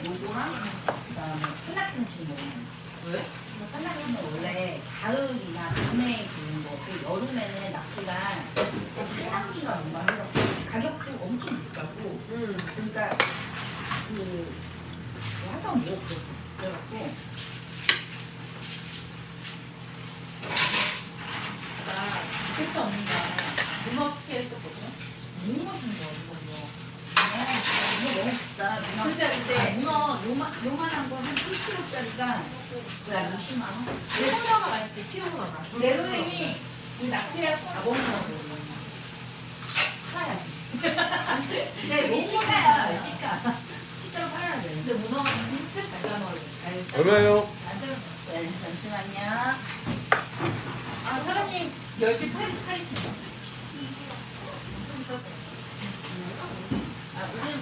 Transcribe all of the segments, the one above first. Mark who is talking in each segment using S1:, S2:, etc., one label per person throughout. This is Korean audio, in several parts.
S1: 요거랑 그다음에 산낙지무침 먹으면
S2: 왜?
S1: 산낙지는 원래 가을이나 봄에 지는 거, 그 여름에는 낙지가 산낙지가 뭔가 해요. 가격도 엄청 비싸고, 그러니까 그 한번 먹어보고 그래갖고
S2: 나 그때 언니가 문어 숙회 했었거든.
S1: 너무 맛있는 거야 이거. 문어 너무 비싸. 문어.
S2: 근데
S1: 문어 요만한 거 한 1kg짜리가 그냥 20만 원.
S2: 피로가 맛있지, 피로가. 내 선생님이 이 낙지를 다 먹는다고.
S1: 팔아야지.
S2: 근데
S1: 이게 시가야, 시가. 시가로 팔아야 돼.
S2: 근데 문어가 진짜 잘 담아요.
S3: 얼마요?
S1: 네, 잠시만요.
S2: 아, 사장님 10시 팔이시네요.
S1: 아, 우리는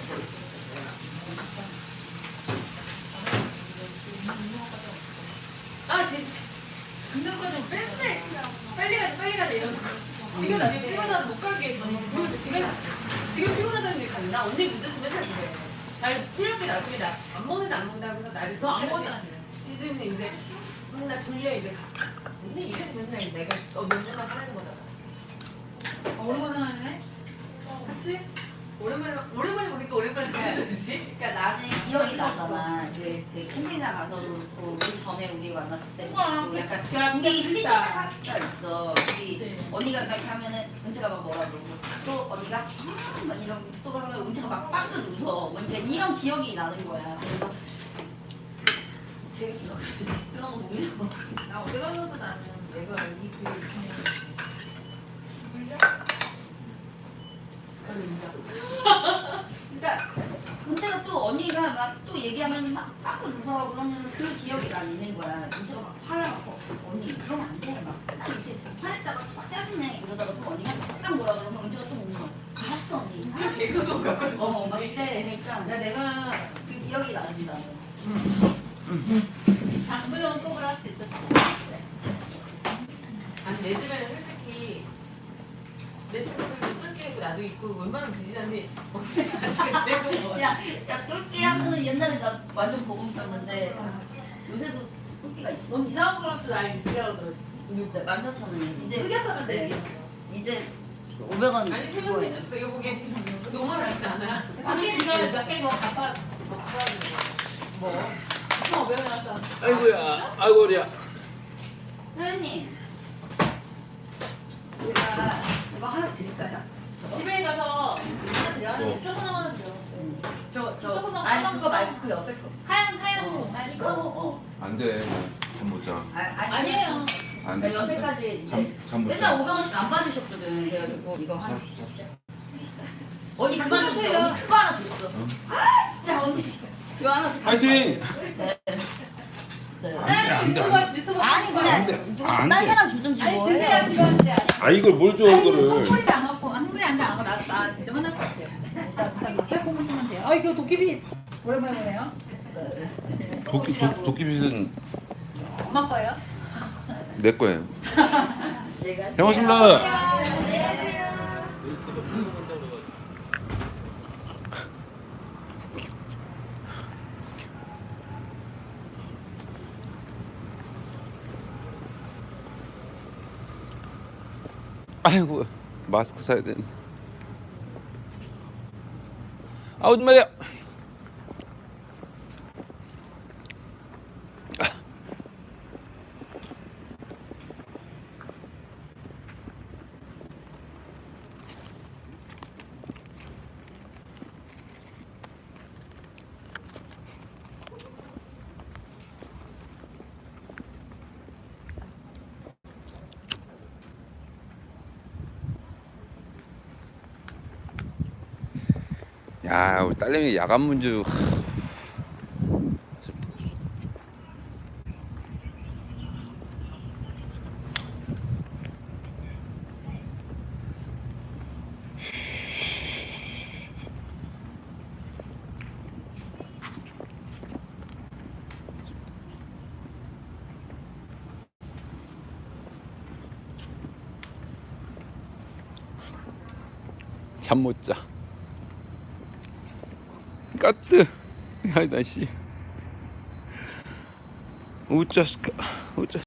S2: 아, 진짜. 듣는 거좀 맨날 빨리 가자 이러고. 지금 나중에 피곤하다 못 가게. 그리고 지금 피곤하다는 게 갔나? 언니 문제도 맨날 그래. 날 풀렸게 나중에 나 안 먹는다 안 먹는다 하면서 나를 더 안 먹는다. 지금 이제 나 졸려 이제 가. 언니 이래서 맨날 내가 맨날 하는 거잖아.
S4: 오랜만에 하네?
S2: 그치? 오랜만에 보니까 오랜만에 생각하지?
S1: 그러니까 나는 기억이 나잖아. 그 캠핑장 가서도 그렇고 우리 전에 우리 만났을 때 또 약간 둘이 삐딱하가 있어. 우리 언니가 막 이렇게 하면은 은채가 막 뭐라 그러고 또 언니가 막 이런 또 하면 은채가 막 빵긋 웃어. 그러니까 이런 기억이 나는 거야. 그래서 재밌어. 그런 거 보면
S2: 나 어디 가서도 나는 내가 이그 물려?
S1: 그러니까 은채가 또 언니가 막 또 얘기하면 막 빵긋 웃어. 그러면 그 기억이 난 있는 거야. 은채가 막 화나고 언니 그러면 안 돼. 막 이렇게 화냈다가 막 짜증내 이러다가 또 언니가 딱 뭐라 그러면 은채가 또 웃어. 알았어 언니.
S2: 개그도 같거든.
S1: 막 이래. 그러니까
S2: 내가
S1: 그 기억이 나지 나는.
S4: 장도연 꼽을 할 수 있었어.
S2: 아니 내 주변에 솔직히 내 친구들도 뚫게 있고 나도 있고 웬만하면 지지자인데 언제가 지금 제일 거 같아.
S1: 야 똘끼 하면은 옛날에 나 완전 보금쳤는데 요새도 똘끼가 있지.
S4: 넌 이상한 거라도 날 유지하러 들어.
S1: 14,000원이야. 이제
S4: 흑였으면 돼.
S1: 이제 500원
S2: 아니
S1: 그거예요.
S2: 태연이 이거 보기엔 너무 많지 않아?
S4: 삼일 이걸 몇개뭐 갚아.
S2: 뭐?
S4: 2,500원 나왔다.
S3: 아이고야, 아이고야.
S1: 사장님, 우리가 이거 하나 드릴까요?
S4: 집에 가서 하나 드려. 하나 조금 하면 줘.
S1: 아니 그거 말고 그 옆에 거.
S4: 하얀 거. 아니 이거.
S3: 안 돼. 잠 못 자.
S4: 아니에요.
S3: 안
S1: 나
S3: 돼.
S1: 여태까지 이제
S3: 잠못
S1: 맨날
S3: 자.
S1: 500원씩 안 받으셨거든. 그래가지고 이거 하나.
S3: 삽시다.
S1: 언니 그만 줬어. 언니 그거 하나 줬어. 아 진짜 언니. 이거 하나 줘.
S3: 파이팅!
S1: 네. 네.
S3: 안 돼, 안 돼.
S4: 유튜브
S1: 아니
S3: 안
S1: 그냥
S3: 돼.
S1: 누가
S3: 안
S1: 딴
S3: 돼.
S1: 사람 주든지
S4: 아니
S1: 뭐
S4: 드세요
S1: 해.
S4: 지금 이제.
S3: 아, 이걸 뭘 줘,
S4: 아니
S3: 그거를.
S4: 선물이 안 갖고 선물이 안 갖고 나 진짜 화날 것 같아요. 일단 막 빼고 보시면 돼요. 아 이거 도깨비 오랜만에 보네요.
S3: 도끼빗은
S4: 엄마 거예요?
S3: 내 거예요.
S1: 내가
S3: 잘 먹었습니다.
S1: 안녕하세요.
S3: 아이고, 마스크 사야 되는데. 아우, 말이야. 야, 우리 딸내미 야간 문주. 잠 못 자. 까뜨. 야, 나 씨. 우짜스카. 우짜.